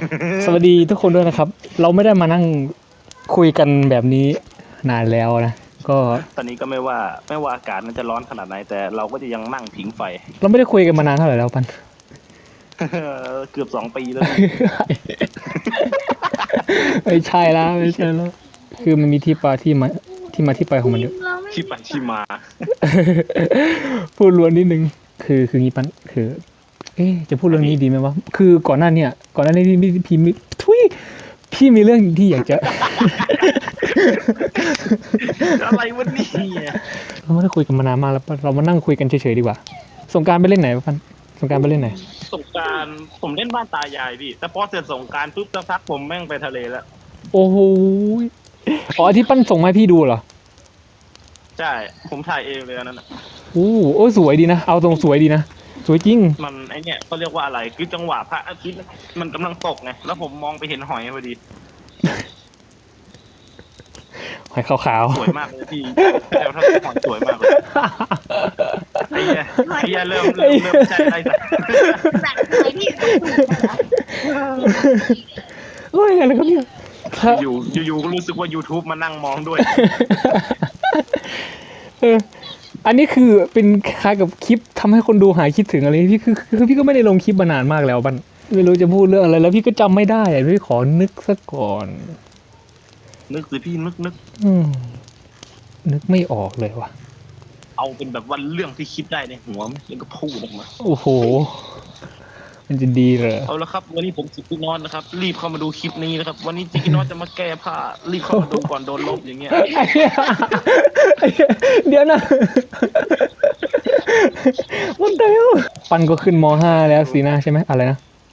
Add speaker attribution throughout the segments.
Speaker 1: สวัสดีทุกคนด้วยนะครับเราไม่ได้มานั่งคุยกันแบบนี้นานแล้วนะก็
Speaker 2: ตอนนี้ก็ไม่ว่าอากาศมันจะร้อนขนาดไหนแต่เราก็จะยังนั่งผิงไฟ
Speaker 1: เราไม่ได้คุยกันมานานเท่าไหร่แล้วปัน
Speaker 2: เกือบ2 ปีแล้วพี่
Speaker 1: ไม่ใช่แล้วไม่ใช่แล้วคือมันมีที่มาที่ไปของมันเยอะ
Speaker 2: ที่ไปที่มา
Speaker 1: พูดล้วนนิดนึงคืองี้ปันคือ จะพูดเรื่องนี้ดีไหมวะคือก่อนหน้านี้พี่มีทุยพี่มีเรื่องที่อยากจะ
Speaker 2: อะไรวะนี่
Speaker 1: เราไม่ได้คุยกันมานานมากแล้วเรามานั่งคุยกันเฉยๆดีกว่าสงกรานต์ไปเล่นไหนปันสงกรานต์ไปเล่นไหน
Speaker 2: สงกรารผมเล่นบ้านตายายพี่แต่พอเสร็จสงกรารปุ๊บสักพักผมแม่งไปทะเลแล้ว
Speaker 1: โอ้โหอ๋อที่ปั้นส่งมาให้พี่ดูเหรอ
Speaker 2: ใช่ผมถ่ายเองเลยอันนั้นน่ะ
Speaker 1: โอ้สวยดีนะ เอาตรงสวยดีนะ สวยจริง
Speaker 2: มันไอเนี่ยเขาเรียกว่าอะไรคือจังหวะพระอาทิตย์มันกำลังตกไงแล้วผมมองไปเห็นหอยพอดี
Speaker 1: หอยขาว
Speaker 2: สวยมากเลยพี่แล้วถ้าหอยสวยมากเลยไอ้เหี้ยเริ่มใช่ได้สัก
Speaker 3: แบบไหนพี่
Speaker 1: ๆเฮ้ยอะไรครับเนี่ย
Speaker 2: อยู่ก็รู้สึกว่า YouTube มานั่งมองด้วย
Speaker 1: เอออันนี้คือเป็นคล้ายกับคลิปทำให้คนดูหายคิดถึงอะไรพี่คือพี่ก็ไม่ได้ลงคลิปมานานมากแล้วบันไม่รู้จะพูดเรื่องอะไรแล้วพี่ก็จำไม่ได้อะพี่ขอนึกซะก่อน
Speaker 2: นึกสิพี่นึก
Speaker 1: อืมนึกไม่ออกเลยว่ะ
Speaker 2: เอาเป็นแบบว่าเรื่องที่คิดได้ในหัวไหมแล้วก็พูดออกมา
Speaker 1: โอ้โห มันจะดีเหรอ
Speaker 2: เอาละครับวันนี้ผมจิกกี้นอนนะครับรีบเข้ามาดูคลิปนี้นะครับวันนี้จิกกี้นอนจะมาแก้ผ้ารีบเข้ามาดูก่อนโดนลบอย่างเงี้ย
Speaker 1: ไอ้เหี้ยเดี๋ยวนะวันเดียวปันก็ขึ้นม .5 แล้วสินะใช่ไหมอะไรนะ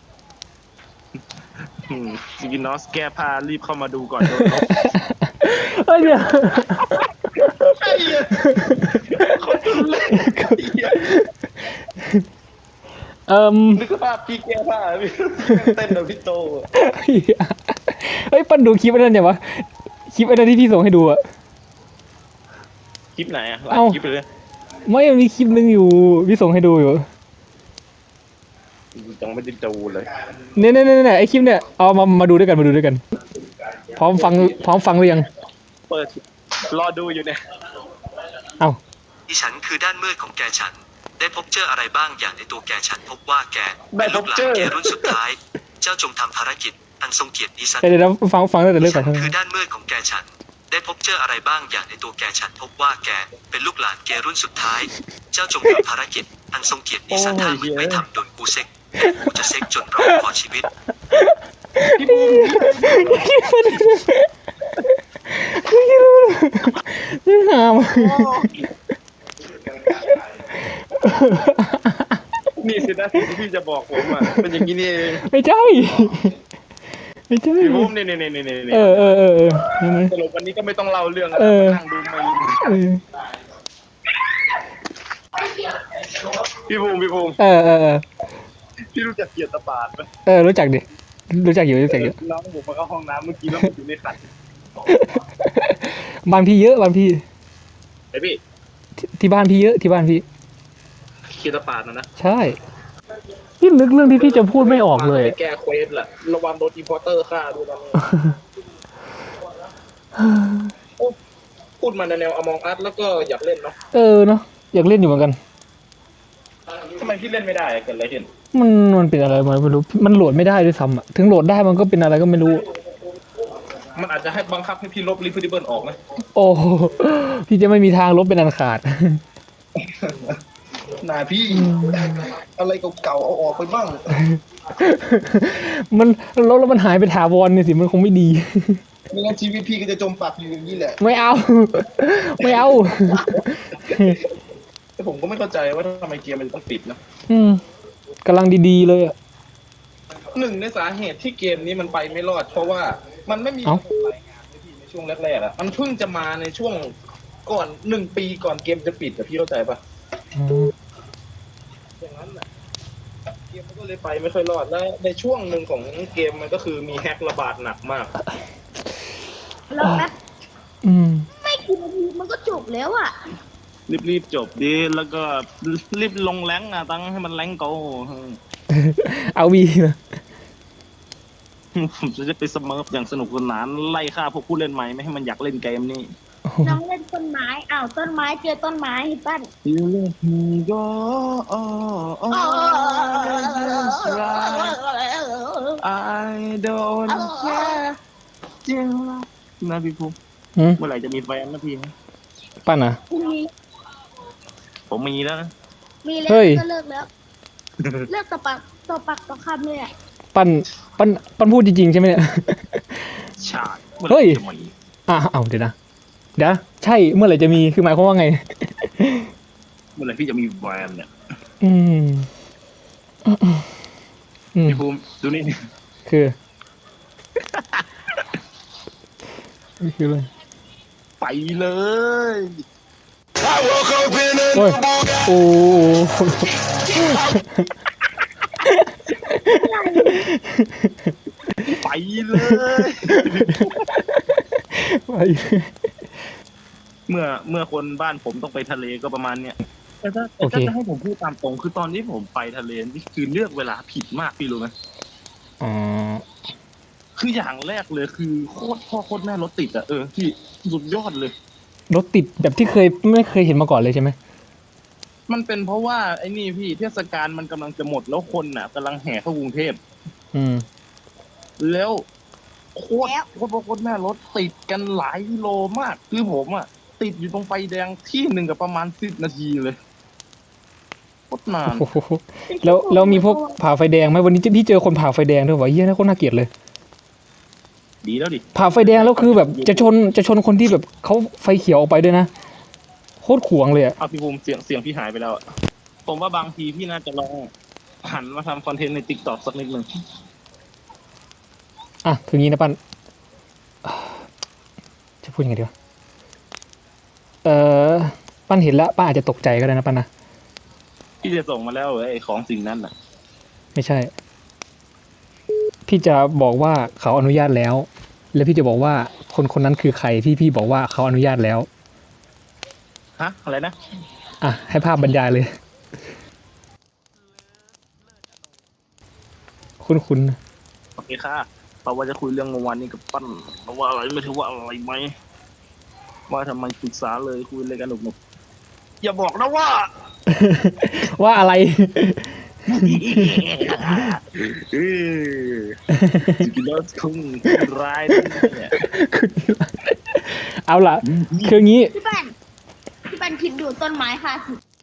Speaker 2: จิกกี้นอนแก้ผ้ารีบเข้ามาดูก่อนโดนลบ
Speaker 1: เอ้ยเดี๋ยว
Speaker 2: ไอ้เหี้ยคนดูเล่น นึกภาพพี่แก้ผ้าพี่เต้นแบบพี่โต
Speaker 1: เฮ้ยปันดูคลิปไอ้นั่นยังวะคลิปไอ้นั่นที่พี่ส่งให้ดูอะ
Speaker 2: คลิปไหนอะหลาย
Speaker 1: เอ้า
Speaker 2: คลิปเลย
Speaker 1: ไม่มีคลิปนึงอยู่พี่ส่งให้ดูอยู่
Speaker 2: ยังไม่ได้ดูเลย
Speaker 1: เนี่ยไอ้คลิปเนี่ยเอามาดูด้วยกันพร้อมฟังหรือยัง
Speaker 2: เปิดรอดูอยู่เนี่ย
Speaker 1: เอ้า
Speaker 4: ดิฉันคือด้านมืดของแกฉัน ได้พบเจออะไรบ้างอย่างในตัวแกฉันพบว่าแกเป็นลูกหลานแกรุ่นสุดท้าย เจ้าจงทำภารกิจอันทรงเกียรตินี้ซะ
Speaker 1: เดี๋ยวฟังตั้งแต่เริ่มก่
Speaker 4: ฉั
Speaker 1: อน
Speaker 4: นคือด้านมืดของแกฉัน ได้พบเจออะไรบ้างอย่างในตัวแกฉันพบว่าแกเป็นลูกหลานแกรุ่นสุดท้าย เจ้าจงทำภารกิจอันทรงเกียรตินี้ซะถ้ามึงไม่ทำโดนกูเซ็กกูจะเซ็กจนร้องขอชีวิต
Speaker 1: นี่หาม
Speaker 2: นี่สินะที่พี่จะบอกผมอ่ะเป็นอย่างนี้นี่เอง
Speaker 1: ไม่ใช่ไม่ใช่
Speaker 2: พี่ผมนี่
Speaker 1: เออนั่นไหม
Speaker 2: สรุปวันนี้ก็ไม่ต้องเล่าเรื่อง
Speaker 1: เออ
Speaker 2: นั่งดูไม่
Speaker 1: เออ
Speaker 2: พี่ภูมิ
Speaker 1: เออ
Speaker 2: พี่รู้จักเกียรติปาดไหม
Speaker 1: รู้จักอยู่
Speaker 2: น้องผมมาเข้าห้องน้ำเมื่อกี้แล้วผมอยู่ในขัน
Speaker 1: บ้านพี่เยอะบ้านพี่
Speaker 2: ไอพี่
Speaker 1: ที่บ้านพี่เยอะที่บ้านพี่
Speaker 2: เกียรติปาดนะ
Speaker 1: ใช่พี่นึกเรื่องที่พี่จะพูดไม่ออกเลย
Speaker 2: แกเควสแหละระวังโดนอินพอร์เตอร์ฆ่าด้วยนะพูดมาในแนวอมองอัสแล้วก็อยากเล่นเนาะ
Speaker 1: เนาะอยากเล่นอยู่เหมือนกัน
Speaker 2: ทำไมพี่เล่นไม่ได้เกิดอะไรขึ้น
Speaker 1: มันเป็นอะไรไม่รู้มันโหลดไม่ได้ด้วยซ้ำอ่ะถึงโหลดได้มันก็เป็นอะไรก็ไม่รู้
Speaker 2: มันอาจจะให้บังคับให้พี่ลบรีฟิดิเบิลออกนะ
Speaker 1: โอ้โหพี่จะไม่มีทางลบเป็นอันขาด
Speaker 2: นาพี่อะไรเก่าๆเอาออกไปบ้าง
Speaker 1: มันลบแล้วมันหายไปถาวรเนี่ยสิมันคงไม่ดี
Speaker 2: ไม่งั้นชีวิตพี่ก็จะจมปักอยู่อย่างนี้แหละ
Speaker 1: ไม่เอา ไม่เอา
Speaker 2: แต่ผมก็ไม่เข้าใจว่าทำไมเกมมันต้องปิดนะ
Speaker 1: กำลังดีๆเลยอ่ะ
Speaker 2: หนึ่งในสาเหตุที่เกมนี้มันไปไม่รอด เพราะว่ามันไม่มี
Speaker 1: เอ้า
Speaker 2: รายงานในพี่ในช่วงแรกๆอะมันเพิ่งจะมาในช่วงก่อน1 ปีก่อนเกมจะปิดอะพี่เข้าใจปะอย่างนั้นแหละเกมมันก็เลยไปไม่ค่อยรอดแล้วในช่วงหนึ่งของเกมมันก็คือมีแฮกระบาดหนักมาก
Speaker 3: แล้วแป๊บ
Speaker 1: อืม
Speaker 3: ไม่กี่นาทีมันก็จบแล้วอ่ะ
Speaker 2: รีบจบดีแล้วก็รีบลงแรงค์อะตั้งให้มันแรงค์โก
Speaker 1: เอาวีนะ
Speaker 2: ผมจะได้ไปสเมิร์ฟอย่างสนุกสนานไล่ฆ่าพวกผู้เล่นใหม่ไม่ให้มันอยากเล่นเกมนี้
Speaker 3: น้องเล่นต้นไม้อ้าวต้นไม้เจอต้นไม้ปั้น
Speaker 2: You let me go I don't care จริงนะพี่ภูมิ
Speaker 1: หืม
Speaker 2: เมื่อไหร่จะมีแฟนนะพี่
Speaker 1: ปั้นอ่ะ
Speaker 3: มี
Speaker 2: ผมมีแล้วนะ
Speaker 3: มีแล้ว
Speaker 1: เฮ้ย
Speaker 3: ก็เลิกแล้ว เลิกต่อปากต่อคำเลยอ่ะ
Speaker 1: ปั้นพูดจริงๆใช่ไหมเนี่ย
Speaker 2: ชาติเมื่อไห
Speaker 1: เฮ้
Speaker 2: ร่
Speaker 1: ย
Speaker 2: จะมี
Speaker 1: เอาเดี๋ยวนะใช่เมื่อไหร่จะมีคือหมายความว่าไง
Speaker 2: เมื่อไหร่พี่จะมีแฟนเนี่ย
Speaker 1: อืม
Speaker 2: พี่ภูมิดูนี่
Speaker 1: คือนี่คืออะไร
Speaker 2: ไปเลย
Speaker 1: โอ้ยโอ้โห
Speaker 2: ไปเลย
Speaker 1: ไป
Speaker 2: เมื่อคนบ้านผมต้องไปทะเลก็ประมาณเนี้ยแต่ถ้า
Speaker 1: โอเค
Speaker 2: จะให้ผมพูดตามตรงคือตอนที่ผมไปทะเลนี่คือเลือกเวลาผิดมากพี่รู้ไหม
Speaker 1: อ๋อ
Speaker 2: คืออย่างแรกเลยคือโคตรพ่อโคตรแม่รถติดอะพี่สุดยอดเลย
Speaker 1: รถติดแบบที่ไม่เคยเห็นมาก่อนเลยใช่ไหม
Speaker 2: มันเป็นเพราะว่าไอ้นี่พี่เทศกาลมันกำลังจะหมดแล้วคนน่ะกำลังแห่เข้ากรุงเทพ
Speaker 1: อืม
Speaker 2: แล้วโคตรพ่อโคตรแม่รถติดกันหลายกิโลมาก คือผมอะติดอยู่ตรงไฟแดงที่หนึ่งกับประมาณ10 นาทีเลยโคตรนาน
Speaker 1: โอ้โหแล้วมีพวกผ่าไฟแดงไหมวันนี้พี่เจอคนผ่าไฟแดงด้วยวะเยี่ยนะโคตรน่าเกลียดเลย
Speaker 2: ดีแล้วดิ
Speaker 1: ผ่าไฟแดงแล้วคือแบบจะชนคนที่แบบเขาไฟเขียวออกไปด้วยนะโคตรขวงเลยอะ
Speaker 2: เอาพี่ภูมิเสียงพี่หายไปแล้วอะผมว่าบางทีพี่น่าจะลองหันมาทำคอนเทนต์ในติ๊กต็อกสักนิดหนึ่ง
Speaker 1: อ่ะคืองี้นะปั้นจะพูดยังไงดีวะปั้นเห็นแล้วป้าอาจจะตกใจก็ได้นะปั้นนะ
Speaker 2: พี่จะส่งมาแล้วเหรอไอ้ของสิ่งนั้นน่ะ
Speaker 1: ไม่ใช่ พี่จะบอกว่าเขาอนุญาตแล้ว แล้วพี่จะบอกว่าคนนั้นคือใครที่พี่บอกว่าเขาอนุญาตแล้ว
Speaker 2: ฮะอะไรนะ
Speaker 1: อ่ะให้ภาพบรรยายเลย คุ้น
Speaker 2: โอเคค่ะเราว่าจะคุยเรื่องเมื่อวานนี้กับปั้นเราว่าอะไรไม่ถือว่าอะไรไหมว่าทำไมปรึกษาเลยคุยเลยกันหนุกๆอย่าบอกนะว่า
Speaker 1: ๆ ว่าอะไร
Speaker 2: จริงๆแล้วคงร้ายนะเนี่ย
Speaker 1: เอาล่ะ คืองี้
Speaker 3: พี่ปันคิดดูต้นไม้ค่ะ